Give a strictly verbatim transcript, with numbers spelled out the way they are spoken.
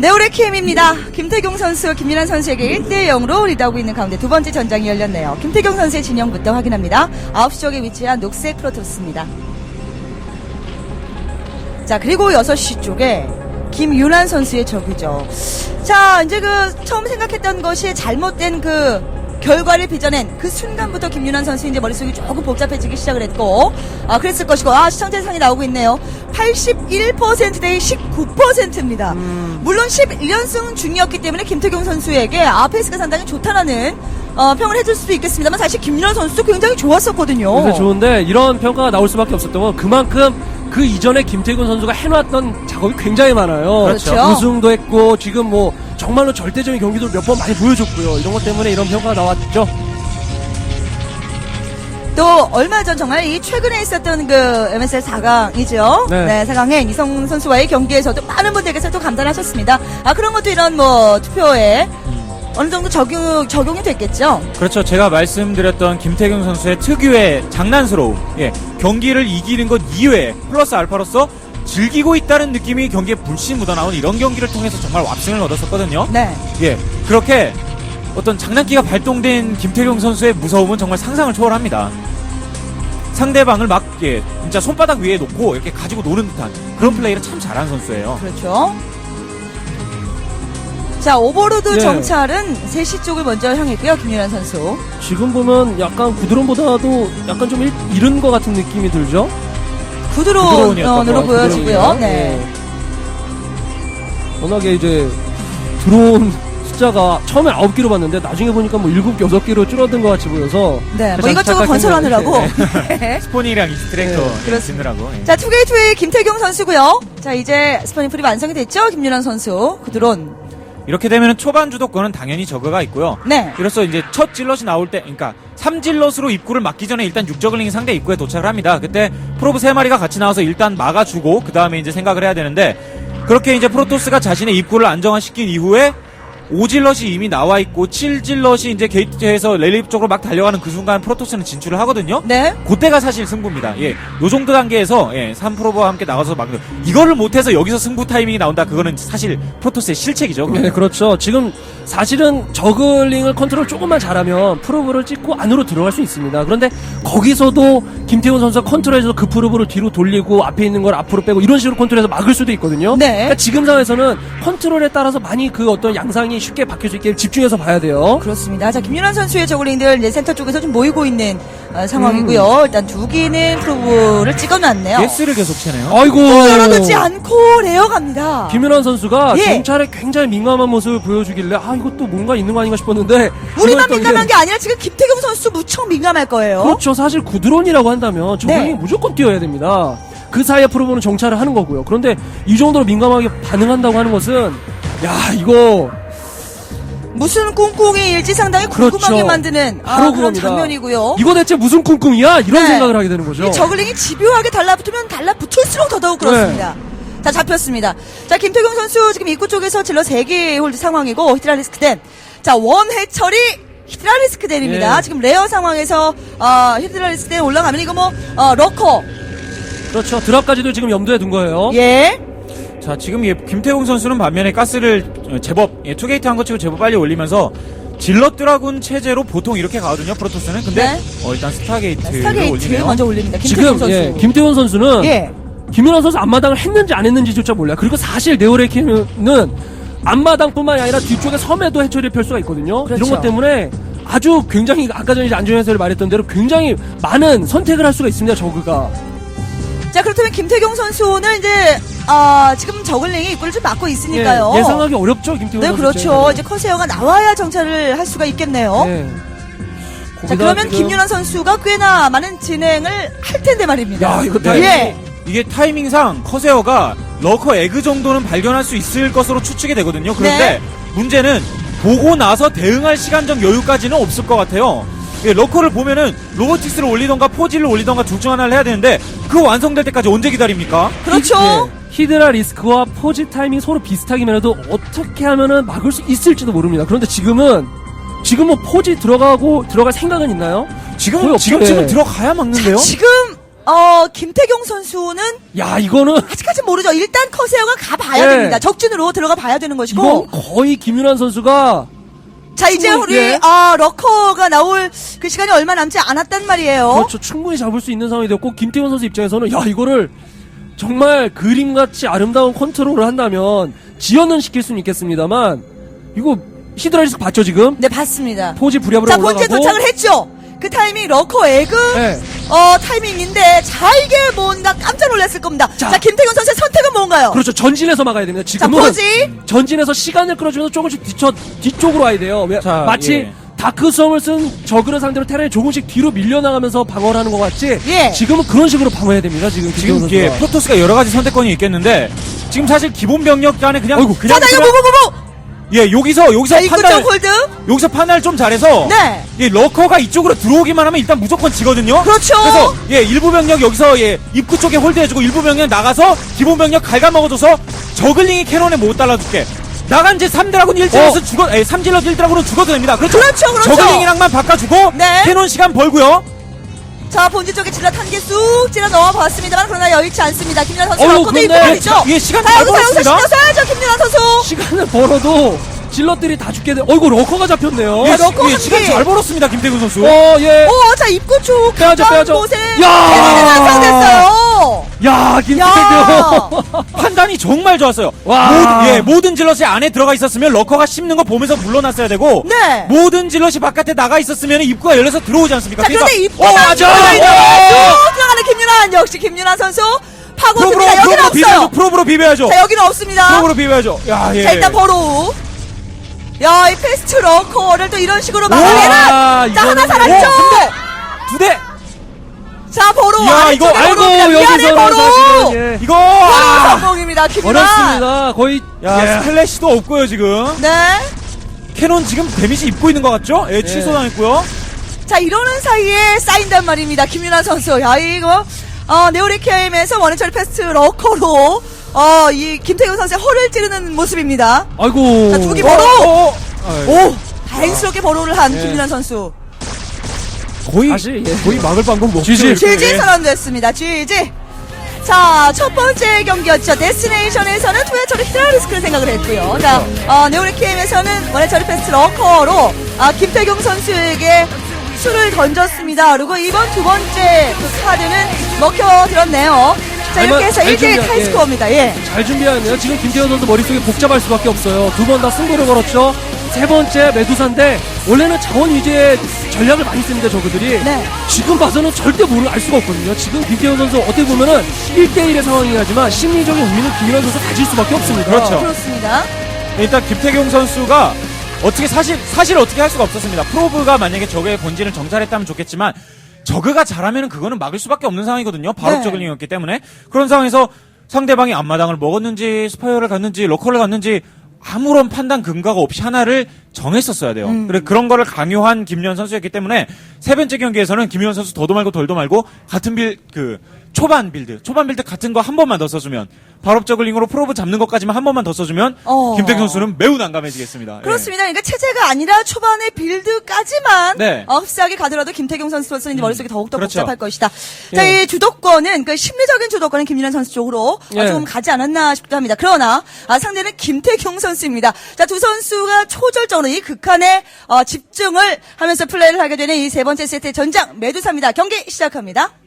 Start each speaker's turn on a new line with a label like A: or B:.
A: 네오레키엠입니다. 김태경 선수, 김민환 선수에게 일 대 영으로 리드하고 있는 가운데 두 번째 전장이 열렸네요. 김태경 선수의 진영부터 확인합니다. 아홉 시 쪽에 위치한 녹색 프로토스입니다. 자, 그리고 여섯 시 쪽에 김윤환 선수의 적이죠. 자, 이제 그 처음 생각했던 것이 잘못된 그 결과를 빚어낸 그 순간부터 김윤환 선수 이제 머릿속이 조금 복잡해지기 시작을 했고, 아, 그랬을 것이고, 아, 시청자 예상이 나오고 있네요. 팔십일 퍼센트 대 십구 퍼센트입니다. 음. 물론 십일 연승 중이었기 때문에 김태경 선수에게 아, 페이스가 상당히 좋다라는 어, 평을 해줄 수도 있겠습니다만 사실 김윤환 선수도 굉장히 좋았었거든요.
B: 굉장히 좋은데 이런 평가가 나올 수밖에 없었던 건 그만큼 그 이전에 김태균 선수가 해놨던 작업이 굉장히 많아요.
A: 그렇죠.
B: 우승도 했고 지금 뭐 정말로 절대적인 경기도 몇 번 많이 보여줬고요. 이런 것 때문에 이런 평가가 나왔죠.
A: 또 얼마 전 정말 이 최근에 있었던 그 엠에스엘 사 강이죠.
B: 네.
A: 네, 사 강에 이성훈 선수와의 경기에서도 많은 분들께서 또 감탄하셨습니다. 아, 그런 것도 이런 뭐 투표에 어느 정도 적용, 적용이 됐겠죠?
C: 그렇죠. 제가 말씀드렸던 김태경 선수의 특유의 장난스러움, 예, 경기를 이기는 것 이외에 플러스 알파로서 즐기고 있다는 느낌이 경기에 물씬 묻어나온 이런 경기를 통해서 정말 왁승을 얻었었거든요.
A: 네.
C: 예, 그렇게 어떤 장난기가 발동된 김태경 선수의 무서움은 정말 상상을 초월합니다. 상대방을 막, 예, 진짜 손바닥 위에 놓고 이렇게 가지고 노는 듯한 그런 플레이를 참 잘하는 선수예요.
A: 그렇죠. 자, 오버로드
B: 예.
A: 정찰은 세 시 쪽을 먼저 향했고요. 김윤환 선수.
B: 지금 보면 약간 구드론보다도 약간 좀 일, 이른 것 같은 느낌이 들죠?
A: 구드론으로 보여지고요. 네.
B: 네. 워낙에 이제 드론 숫자가 처음에 아홉 개로 봤는데 나중에 보니까 뭐 일곱 개, 여섯 개로 줄어든 것 같이 보여서
A: 네, 뭐 이것저것 건설하느라고.
C: 네. 스포닝이랑 이스트랙터
B: 네,
C: 예, 짓느라고. 예.
A: 자, 투게이트웨이 김태경 선수고요. 자, 이제 스포닝 풀이 완성이 됐죠. 김윤환 선수. 구드론.
C: 이렇게 되면 초반 주도권은 당연히 저그가 있고요.
A: 네.
C: 그래서 이제 첫 질럿이 나올 때, 그러니까 삼 질럿으로 입구를 막기 전에 일단 육 저글링이 상대 입구에 도착을 합니다. 그때 프로브 세 마리가 같이 나와서 일단 막아주고 그 다음에 이제 생각을 해야 되는데, 그렇게 이제 프로토스가 자신의 입구를 안정화시킨 이후에 오 질럿이 이미 나와 있고 칠 질럿이 이제 게이트에서 랠리 쪽으로 막 달려가는 그 순간 프로토스는 진출을 하거든요.
A: 네.
C: 그때가 사실 승부입니다. 예, 요 정도 단계에서 예, 삼 프로브와 함께 나가서 막는 이거를 못해서 여기서 승부 타이밍이 나온다. 그거는 사실 프로토스의 실책이죠.
B: 네, 그렇죠. 지금 사실은 저글링을 컨트롤 조금만 잘하면 프로브를 찍고 안으로 들어갈 수 있습니다. 그런데 거기서도 김태훈 선수가 컨트롤해서 그 프로브를 뒤로 돌리고 앞에 있는 걸 앞으로 빼고 이런 식으로 컨트롤해서 막을 수도 있거든요.
A: 네.
B: 그러니까 지금 상황에서는 컨트롤에 따라서 많이 그 어떤 양상이 쉽게 바뀔 수 있게 집중해서 봐야 돼요.
A: 그렇습니다. 자, 김윤환 선수의 저글링들 이제 센터 쪽에서 좀 모이고 있는 어, 상황이고요.
B: 음.
A: 일단 두 개는 프로브를 찍어놨네요.
C: 예스를 계속 채네요.
B: 아이고.
A: 떨어지지 않고 레어갑니다.
B: 김윤환 선수가
A: 예.
B: 정찰에 굉장히 민감한 모습을 보여주길래 아 이것도 뭔가 있는 거 아닌가 싶었는데
A: 우리만
B: 이걸 또
A: 민감한
B: 이제-
A: 게 아니라 지금 김태경 선수 무척 민감할 거예요.
B: 그렇죠. 사실 구드론이라고 한다면 저글링이
A: 네.
B: 무조건 뛰어야 됩니다. 그 사이에 프로보는 정찰을 하는 거고요. 그런데 이 정도로 민감하게 반응한다고 하는 것은 야 이거
A: 무슨 꿍꿍이 일지 상당히 궁금하게
B: 그렇죠.
A: 만드는 아,
B: 바로
A: 그런
B: 그겁니다.
A: 장면이고요.
B: 이거 대체 무슨 꿍꿍이야? 이런
A: 네.
B: 생각을 하게 되는 거죠.
A: 이 저글링이 집요하게 달라붙으면 달라붙을수록 더더욱 그렇습니다.
B: 네.
A: 자, 잡혔습니다. 자, 김태경 선수 지금 입구 쪽에서 질러 세 개 홀드 상황이고 히드라리스크덴. 자, 원해처리 히드라리스크덴입니다.
B: 예.
A: 지금 레어 상황에서 어, 히드라리스크덴 올라가면 이거 뭐 어, 러커.
B: 그렇죠. 드랍까지도 지금 염두에 둔 거예요.
A: 예.
C: 자, 지금 예, 김태웅 선수는 반면에 가스를 어, 제법 예, 투게이트 한 거 치고 제법 빨리 올리면서 질럿 드라군 체제로 보통 이렇게 가거든요. 프로토스는. 근데
A: 네.
C: 어, 일단 스타게이트를
A: 스타게이트
C: 올리네요.
A: 먼저 올립니다. 김태경
B: 지금
A: 선수.
B: 예, 김태훈 선수는
A: 예.
B: 김윤환 선수 앞마당을 했는지 안 했는지조차 몰라요. 그리고 사실 네오레키는 앞마당뿐만이 아니라 뒤쪽에 섬에도 해처리를 펼 수가 있거든요.
A: 그렇죠.
B: 이런 것 때문에 아주 굉장히 아까 전에 안정현 해설이 말했던 대로 굉장히 많은 선택을 할 수가 있습니다. 저그가.
A: 자, 그렇다면 김태경 선수는 이제 아, 지금 저글링이 입구를 좀 막고 있으니까요.
B: 예, 예상하기 어렵죠. 김태훈
A: 네,
B: 선수.
A: 그렇죠.
B: 입장에서는.
A: 이제 커세어가 나와야 정찰을 할 수가 있겠네요.
B: 네.
A: 자,
B: 거기다
A: 그러면
B: 지금-
A: 김윤환 선수가 꽤나 많은 진행을 할 텐데 말입니다.
B: 야, 이거
C: 네.
A: 예.
C: 이게 타이밍상 커세어가 러커 에그 정도는 발견할 수 있을 것으로 추측이 되거든요. 그런데
A: 네.
C: 문제는 보고 나서 대응할 시간적 여유까지는 없을 것 같아요. 예, 러커를 보면은 로보틱스를 올리던가 포지를 올리던가 둘 중 하나를 해야 되는데 그 완성될 때까지 언제 기다립니까?
A: 그렇죠.
B: 예, 히드라 리스크와 포지 타이밍 서로 비슷하기만 해도 어떻게 하면은 막을 수 있을지도 모릅니다. 그런데 지금은 지금 뭐 포지 들어가고 들어갈 생각은 있나요?
C: 지금
B: 거의 없죠.
C: 지금쯤은
B: 예.
C: 들어가야 막는데요.
A: 자, 지금 어, 김태경 선수는
B: 야, 이거는
A: 아직까지 모르죠. 일단 커세어가 가봐야
B: 네.
A: 됩니다. 적진으로 들어가 봐야 되는 것이고.
B: 이건 거의 김윤환 선수가
A: 자, 이제
B: 충분히,
A: 우리,
B: 예.
A: 아, 러커가 나올 그 시간이 얼마 남지 않았단 말이에요.
B: 그렇죠. 충분히 잡을 수 있는 상황이 되었고 김태훈 선수 입장에서는 야, 이거를 정말 그림같이 아름다운 컨트롤을 한다면 지연은 시킬 수는 있겠습니다만 이거 히드라리스크 봤죠 지금?
A: 네, 봤습니다.
B: 포지 부랴부랴
A: 자,
B: 올라가고
A: 본체 도착을 했죠. 그 타이밍 러커 에그
B: 네.
A: 어 타이밍인데 자 이게 뭔가 깜짝 놀랐을 겁니다. 자,
B: 자.
A: 김태균 선수의 선택은 뭔가요?
B: 그렇죠. 전진해서 막아야 됩니다. 지금은
A: 자, 포지.
B: 전진해서 시간을 끌어주면서 조금씩 뒤쳐, 뒤쪽으로 와야 돼요. 왜-
C: 자,
B: 마치
C: 예.
B: 다크섬을 쓴 저그를 상대로 테란이 조금씩 뒤로 밀려나가면서 방어를 하는 것 같지
A: 예.
B: 지금은 그런 식으로 방어해야 됩니다. 지금
C: 지금
B: 김태훈
C: 예,
B: 선수가.
C: 프로토스가 여러 가지 선택권이 있겠는데 지금 사실 기본 병력 간에 그냥
B: 어이구.
C: 그냥
A: 자, 나 이거
C: 그냥-
A: 뭐뭐뭐뭐.
C: 예, 여기서 여기서
A: 자, 입구 쪽
C: 판단
A: 홀드.
C: 여기서 판단을 좀 잘해서
A: 네.
C: 예, 러커가 이쪽으로 들어오기만 하면 일단 무조건 지거든요.
A: 그렇죠.
C: 그래서 예, 일부 병력 여기서 예, 입구 쪽에 홀드해주고 일부 병력 나가서 기본 병력 갉아먹어줘서 저글링이 캐논에 못 달라줄게. 나간 제 삼 드라군 일 드라군
B: 어.
C: 죽어, 예, 삼 질럿 일 드라군은 죽어도 됩니다. 그렇죠.
A: 그렇죠, 그렇죠.
C: 저글링이랑만 바꿔주고
A: 네.
C: 캐논 시간 벌고요.
A: 자, 본진 쪽에 질럿 한 개 쑥 찔러 넣어봤습니다. 그러나 여의치 않습니다. 김윤환 선수
B: 어우,
A: 러커도 입고
B: 그런데
A: 있죠.
C: 예, 시간
A: 자,
C: 잘
A: 여기서 여기서
C: 벌었습니다.
A: 신경 써야죠, 김윤환 선수.
B: 시간을 벌어도 질럿들이 다 죽게 돼. 어이구 러커가 잡혔네요.
A: 야,
C: 예,
A: 러커
C: 예,
A: 한
C: 시간
A: 개.
C: 잘 벌었습니다. 김태균 선수.
B: 어, 예.
A: 오, 자, 입구 쪽
B: 빼야죠,
A: 가까운
B: 빼야죠.
A: 곳에
B: 야!
A: 캐논이 완성됐어요.
B: 야, 김태경.
A: 야.
C: 판단이 정말 좋았어요.
B: 와.
C: 모든, 예, 모든 질럿이 안에 들어가 있었으면 러커가 씹는 거 보면서 물러났어야 되고
A: 네.
C: 모든 질럿이 바깥에 나가 있었으면 입구가 열려서 들어오지 않습니까?
A: 자, 그런데 입구
B: 어, 맞아. 어.
A: 들어가는 김윤환 역시 김윤환 선수
C: 프로브로
A: 파고듭니다. 여기는
C: 프로브로 비벼야죠.
A: 없어요.
C: 프로브로 비벼야죠.
A: 자, 여기는 없습니다.
C: 프로브로 비벼야죠. 야, 예.
A: 자, 일단 버로. 야, 이 패스트 러커를 또 이런 식으로
B: 와,
A: 막아내는. 자, 하나
B: 이거는-
A: 살았죠.
C: 두 대.
A: 자, 버로.
C: 야,
A: 아래쪽에
C: 이거
B: 아이고
A: 버로입니다. 미안해,
B: 여기서는
A: 버로.
B: 사실은 예.
C: 이거
A: 버로
C: 아.
A: 성공입니다. 김윤환.
B: 어렵습니다. 거의
C: 야,
B: 예.
C: 스플래시도 없고요, 지금.
A: 네.
C: 캐논 지금 데미지 입고 있는 것 같죠? 예, 취소당했고요.
A: 자, 이러는 사이에 쌓인단 말입니다. 김윤환 선수. 야, 이거, 어, 네오리케임에서 원해처리 패스트 러커로, 어, 이 김태균 선수의 허를 찌르는 모습입니다.
B: 아이고.
A: 자, 두기
C: 어,
A: 버로.
C: 어, 어.
A: 오! 다행스럽게 버로를 한
B: 예.
A: 김윤환 선수.
C: 거의
B: 다시, 예.
C: 거의 막을 방법 못
B: 지지.
A: 지지 선언됐습니다. 지지. 자, 첫 번째 경기였죠. 데스티네이션에서는 투회처리 히드라리스크를 생각을 했고요. 자, 어, 네오리케임에서는 원해처리 패스트 러커로, 아, 김태경 선수에게 수를 던졌습니다. 그리고 이번 두 번째 그 카드는 먹혀들었네요. 자, 이렇게 해서
B: 잘
A: 일 대 일
B: 준비한-
A: 타이스코어입니다. 예.
B: 잘 준비하네요. 지금 김태현 선수 머릿속에 복잡할 수밖에 없어요. 두 번 다 승부를 걸었죠. 세 번째 메두사인데 원래는 자원 위주의 전략을 많이 씁니다. 저그들이.
A: 네.
B: 지금 봐서는 절대 모를 알 수가 없거든요. 지금 김태현 선수 어떻게 보면은 일 대 일의 상황이긴 하지만 심리적인 우위는 김윤환 선수 가질 수밖에 없습니다.
C: 그렇죠.
A: 그렇습니다.
C: 일단 김태경 선수가 어떻게 사실 사실 어떻게 할 수가 없었습니다. 프로브가 만약에 적의 본진을 정찰했다면 좋겠지만 저그가 잘하면 그거는 막을 수밖에 없는 상황이거든요. 바로
A: 네.
C: 저글링이었기 때문에 그런 상황에서 상대방이 앞마당을 먹었는지 스파이어를 갔는지 러커를 갔는지 아무런 판단 근거가 없이 하나를 정했었어야 돼요.
A: 음.
C: 그래 그런 거를 강요한 김윤환 선수였기 때문에 세 번째 경기에서는 김윤환 선수 더도 말고 덜도 말고 같은 빌 그 초반 빌드 초반 빌드 같은 거 한 번만 더 써주면 발업 저글링으로 프로브 잡는 것까지만 한 번만 더 써주면
A: 어.
C: 김태경 선수는 매우 난감해지겠습니다. 예.
A: 그렇습니다. 그러니까 체제가 아니라 초반의 빌드까지만
C: 네.
A: 어, 흡사하게 가더라도 김태경 선수로서는 이제 머릿속이 더욱더
C: 그렇죠.
A: 복잡할 것이다. 자, 이 주도권은 그 심리적인 주도권은 김윤환 선수 쪽으로 어,
B: 예.
A: 좀 가지 않았나 싶기도 합니다. 그러나 아, 상대는 김태경 선수입니다. 자, 두 선수가 초절정으로 이 극한의 어, 집중을 하면서 플레이를 하게 되는 이 세 번째 세트의 전장 메두사입니다. 경기 시작합니다.